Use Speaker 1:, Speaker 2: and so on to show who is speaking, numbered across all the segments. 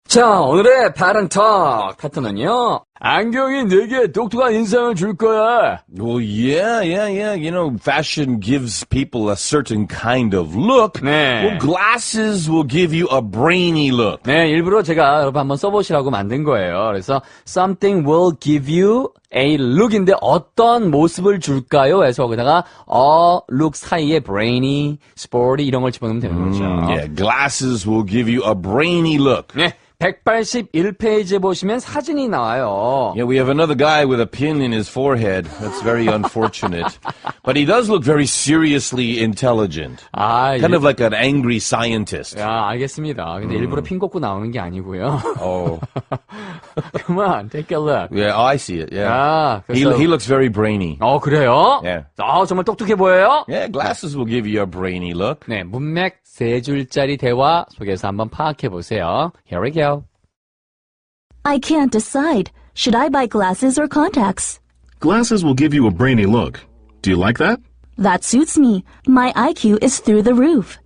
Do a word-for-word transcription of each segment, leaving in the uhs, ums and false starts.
Speaker 1: 자, 오늘의 Pattern Talk 파트너는요. 안경이 내게 똑똑한 인상을 줄 거야.
Speaker 2: Well, yeah, yeah, yeah. You know, fashion gives people a certain kind of look.
Speaker 1: 네.
Speaker 2: Well, glasses will give you a brainy look.
Speaker 1: 네, 일부러 제가 여러분 한번 써보시라고 만든 거예요. 그래서 something will give you a look인데 어떤 모습을 줄까요? 해서 거기다가 a look 사이에 brainy, sporty 이런 걸 집어넣으면 되는 거죠.
Speaker 2: Yeah, glasses will give you a brainy look.
Speaker 1: 네. 백팔십일 페이지에 보시면 사진이 나와요.
Speaker 2: Yeah, we have another guy with a pin in his forehead. That's very unfortunate. But he does look very seriously intelligent.
Speaker 1: 아,
Speaker 2: Kind
Speaker 1: 일...
Speaker 2: of like an angry scientist.
Speaker 1: 야, 알겠습니다. 근데 음. 일부러 핀 꽂고 나오는 게 아니고요.
Speaker 2: Oh.
Speaker 1: Come on, take a look.
Speaker 2: Yeah, oh, I see it. Yeah.
Speaker 1: 아,
Speaker 2: he, he looks very brainy.
Speaker 1: 어, 그래요?
Speaker 2: Yeah.
Speaker 1: 아, 정말 똑똑해 보여요?
Speaker 2: Yeah, glasses will give you a brainy look.
Speaker 1: 네, 문맥 세 줄짜리 대화 속에서 한번 파악해 보세요. Here we go.
Speaker 3: I can't decide. Should I buy glasses or contacts?
Speaker 4: Glasses will give you a brainy look. Do you like that?
Speaker 3: That suits me. My I Q is through the roof.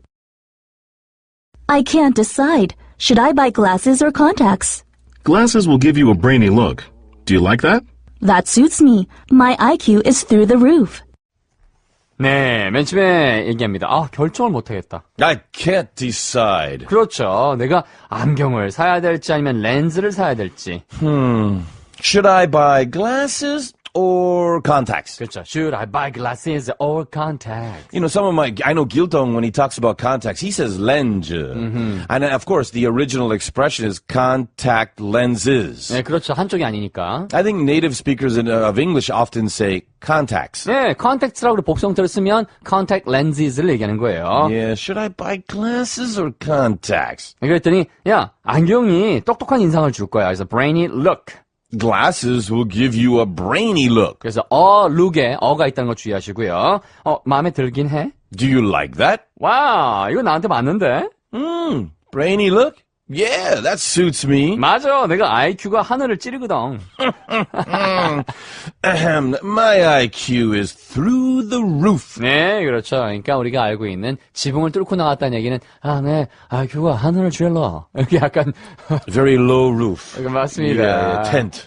Speaker 3: I can't decide. Should I buy glasses or contacts?
Speaker 4: Glasses will give you a brainy look. Do you like that?
Speaker 3: That suits me. My I Q is through the roof.
Speaker 1: 네, 맨 처음에 얘기합니다. 아, 결정을 못하겠다.
Speaker 2: I can't decide.
Speaker 1: 그렇죠. 내가 안경을 사야 될지 아니면 렌즈를 사야 될지.
Speaker 2: Hmm. Should I buy glasses or contacts?
Speaker 1: 그렇죠. Should I buy glasses or contacts?
Speaker 2: You know, some of my, I know Giltong, when he talks about contacts, he says lens. Mm-hmm. And of course, the original expression is contact lenses.
Speaker 1: 네, 그렇죠. 한쪽이 아니니까.
Speaker 2: I think native speakers in, uh, of English often say contacts.
Speaker 1: 네, contacts라고 복성태를 쓰면 contact lenses를 얘기하는 거예요.
Speaker 2: Yeah, should I buy glasses or contacts?
Speaker 1: 그랬더니, 야, 안경이 똑똑한 인상을 줄 거야. 그래서 brainy look.
Speaker 2: Glasses will give you a brainy look.
Speaker 1: 그래서 어, look에 어가 있다는 거 주의하시고요. 어, 마음에 들긴 해?
Speaker 2: Do you like that?
Speaker 1: 와, 이거 나한테 맞는데?
Speaker 2: Hmm, brainy look? Yeah, that suits me.
Speaker 1: 맞아, 내가 아이큐가 하늘을 찌르거든.
Speaker 2: My I Q is through the roof.
Speaker 1: 네, 그렇죠. 그러니까 우리가 알고 있는 지붕을 뚫고 나갔다는 얘기는 아, 네, 아이큐가 하늘을 찔러. 이렇게 약간
Speaker 2: Very low roof.
Speaker 1: 맞습니다.
Speaker 2: Yeah, tent.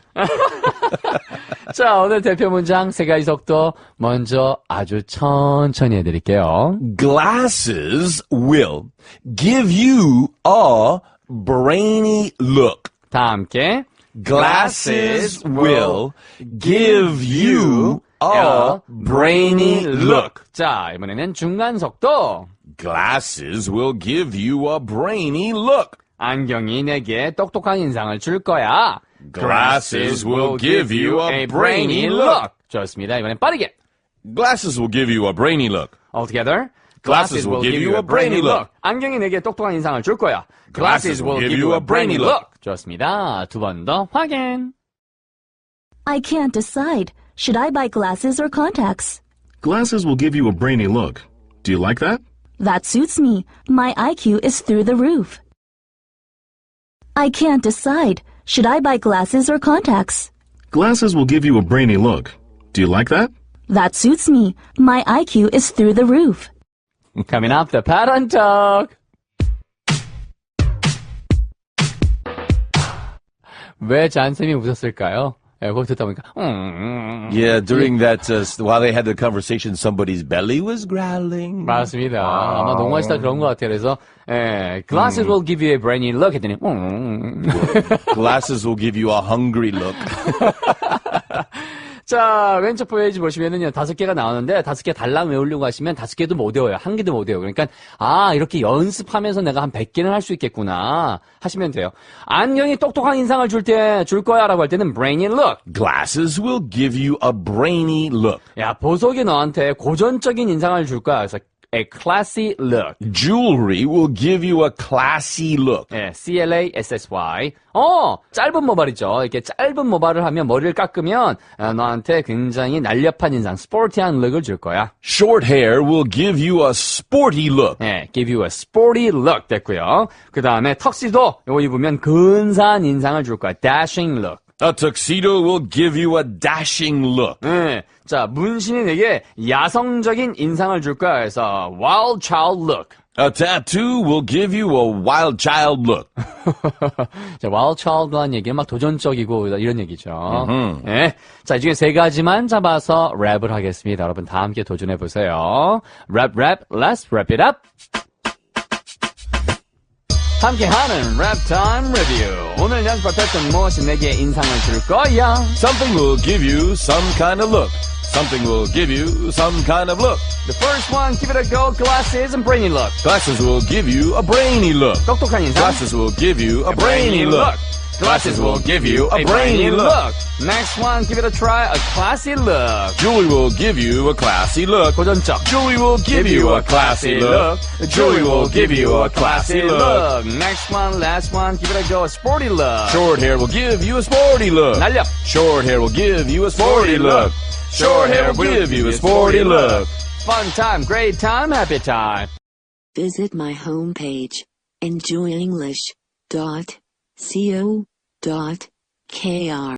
Speaker 1: 자, 오늘 대표 문장 세 가지 속도 먼저 아주 천천히 해드릴게요.
Speaker 2: Glasses will give you a brainy look.
Speaker 1: 다 함께
Speaker 2: Glasses will give you a brainy look.
Speaker 1: 자, 이번에는 중간 속도.
Speaker 2: Glasses will give you a brainy look.
Speaker 1: 안경이 내게 똑똑한 인상을 줄 거야.
Speaker 2: Glasses will give you a brainy look.
Speaker 1: 좋습니다. 이번엔 빠르게.
Speaker 2: Glasses will give you a brainy look.
Speaker 1: All together.
Speaker 2: Glasses will give you a brainy look.
Speaker 1: 안경이 내게 똑똑한 인상을 줄 거야. Glasses will give you a brainy look. 좋습니다. 두 번 더 확인.
Speaker 3: I can't decide. Should I buy glasses or contacts?
Speaker 4: Glasses will give you a brainy look. Do you like that?
Speaker 3: That suits me. My I Q is through the roof. I can't decide. Should I buy glasses or contacts?
Speaker 4: Glasses will give you a brainy look. Do you like that?
Speaker 3: That suits me. My I Q is through the roof.
Speaker 1: Coming up, the Pattern Talk. 왜 잔쌤이 웃었을까요? 예, 그거 듣다 보니까 음,
Speaker 2: Yeah, during that, uh, while they had the conversation, somebody's belly was growling.
Speaker 1: 맞습니다. 아마 농구하시다 그런 것 같아요. 그래서 예, Glasses will give you a brainy look 했더니 음.
Speaker 2: Glasses will give you a hungry look.
Speaker 1: 자, 왼쪽 페이지 보시면은요, 다섯 개가 나오는데, 다섯 개 달랑 외우려고 하시면 다섯 개도 못 외워요. 한 개도 못 외워요. 그러니까, 아, 이렇게 연습하면서 내가 한 백 개는 할 수 있겠구나. 하시면 돼요. 안경이 똑똑한 인상을 줄 때, 줄 거야 라고 할 때는 brainy look.
Speaker 2: Glasses will give you a brainy look.
Speaker 1: 야, 보석이 너한테 고전적인 인상을 줄 거야. 그래서, a classy look.
Speaker 2: Jewelry will give you a classy look.
Speaker 1: 예, C L A S S Y. 어, 짧은 모발이죠. 이렇게 짧은 모발을 하면 머리를 깎으면 어, 너한테 굉장히 날렵한 인상, 스포티한 룩을 줄 거야.
Speaker 2: Short hair will give you a sporty look.
Speaker 1: 예, give you a sporty look 됐고요. 그 다음에 턱시도 이거 입으면 근사한 인상을 줄 거야. dashing look.
Speaker 2: A tuxedo will give you a dashing look.
Speaker 1: 네, 자, 문신이 내게 야성적인 인상을 줄 거야. 그래서 wild child look.
Speaker 2: A tattoo will give you a wild child look.
Speaker 1: 자, wild child란 얘기는 막 도전적이고 이런 얘기죠. 네. 자, 이 중에 세 가지만 잡아서 랩을 하겠습니다. 여러분 다 함께 도전해 보세요. 랩, 랩, let's wrap it up. 함께하는 랩 타임 리뷰. 오늘 연습했던 무엇이 내게 인상을 줄 거야?
Speaker 2: Something will give you some kind of look. Something will give you some kind of look.
Speaker 1: The first one, give it a go. Glasses and brainy look.
Speaker 2: Glasses will give you a brainy look.
Speaker 1: 똑똑한 인상.
Speaker 2: Glasses will give you a brainy look. Glasses will give you a brainy look.
Speaker 1: Next one, give it a try. A classy look.
Speaker 2: Jewelry will give you a classy look.
Speaker 1: 고전적.
Speaker 2: Jewelry will give you a classy look. Jewelry will give you a classy look.
Speaker 1: Next one, last one, give it a go. A sporty look.
Speaker 2: Short hair will give you a sporty look.
Speaker 1: 날렵.
Speaker 2: Short hair will give you a sporty look. Short hair will give you a sporty look.
Speaker 1: Fun time, great time, happy time.
Speaker 5: Visit my homepage, enjoy english dot co dot k r.